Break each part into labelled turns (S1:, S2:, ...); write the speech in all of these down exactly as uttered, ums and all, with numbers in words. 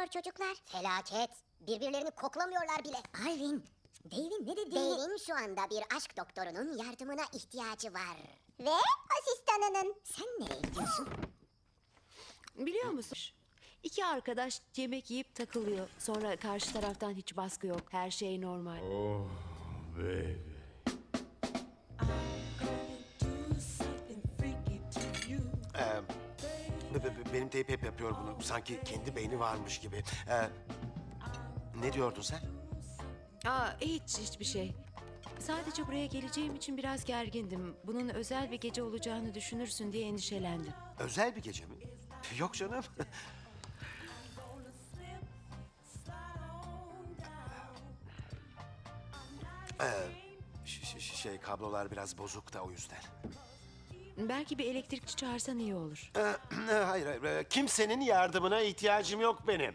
S1: çocuklar?
S2: Felaket. Birbirlerini koklamıyorlar bile.
S1: Alvin, Dave'in ne dediğini...
S2: Dave'in şu anda bir aşk doktorunun yardımına ihtiyacı var.
S1: Ve asistanının. Sen nereye gidiyorsun?
S3: Biliyor musun? İki arkadaş yemek yiyip takılıyor. Sonra karşı taraftan hiç baskı yok. Her şey normal.
S4: Oh baby.
S5: Ee, be- be- benim teyp hep yapıyor bunu. Sanki kendi beyni varmış gibi. Ee, ne diyordun sen?
S3: Aa, hiç hiçbir şey. Sadece buraya geleceğim için biraz gergindim. Bunun özel bir gece olacağını düşünürsün diye endişelendim.
S5: Özel bir gece mi? Yok canım. ee, ş- ş- şey kablolar biraz bozuk da o yüzden.
S3: Belki bir elektrikçi çağırsan iyi olur.
S5: Ee, hayır, hayır. ee, Kimsenin yardımına ihtiyacım yok benim.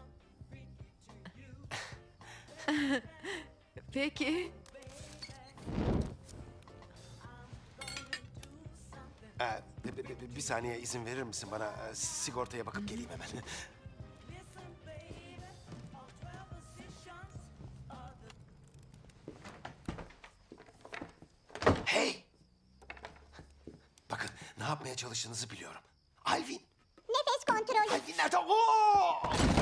S3: Peki.
S5: Ee, bir, bir- bir saniye izin verir misin bana? Ee, sigortaya bakıp geleyim hemen. Hey! Bakın ne yapmaya çalıştığınızı biliyorum. Alvin!
S1: Nefes kontrolü.
S5: Alvin nerede? Oo!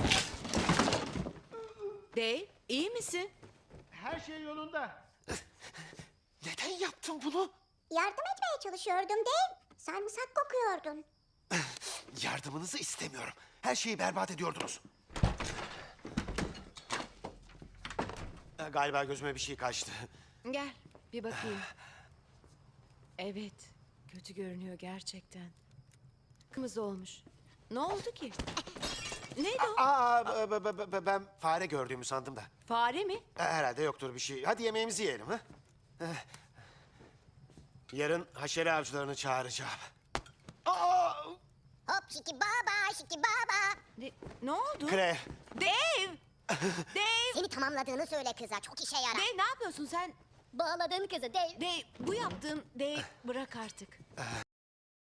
S3: Dave, iyi misin?
S4: Her şey yolunda.
S5: Neden yaptın bunu?
S1: Yardım etmeye çalışıyordum Dave. Sarımsak kokuyordun.
S5: Yardımınızı istemiyorum. Her şeyi berbat ediyordunuz. Ee, Galiba gözüme bir şey kaçtı.
S3: Gel, bir bakayım. Evet, kötü görünüyor gerçekten. Kırmızı olmuş. Ne oldu ki? Neydi o?
S5: Aa, b- b- b- ben fare gördüğümü sandım da.
S3: Fare mi?
S5: E, Herhalde yoktur bir şey. Hadi yemeğimizi yiyelim ha. Eh. Yarın haşere avcılarını çağıracağım. Aa!
S2: Hop şiki baba şiki baba.
S3: Ne, ne oldu?
S5: Kre.
S3: Dave! Dave!
S2: Seni tamamladığını söyle kıza, çok işe yarar.
S3: Dave ne yapıyorsun sen?
S2: Bağladın kızı Dave.
S3: Dave, bu yaptığın... Dave, bırak artık.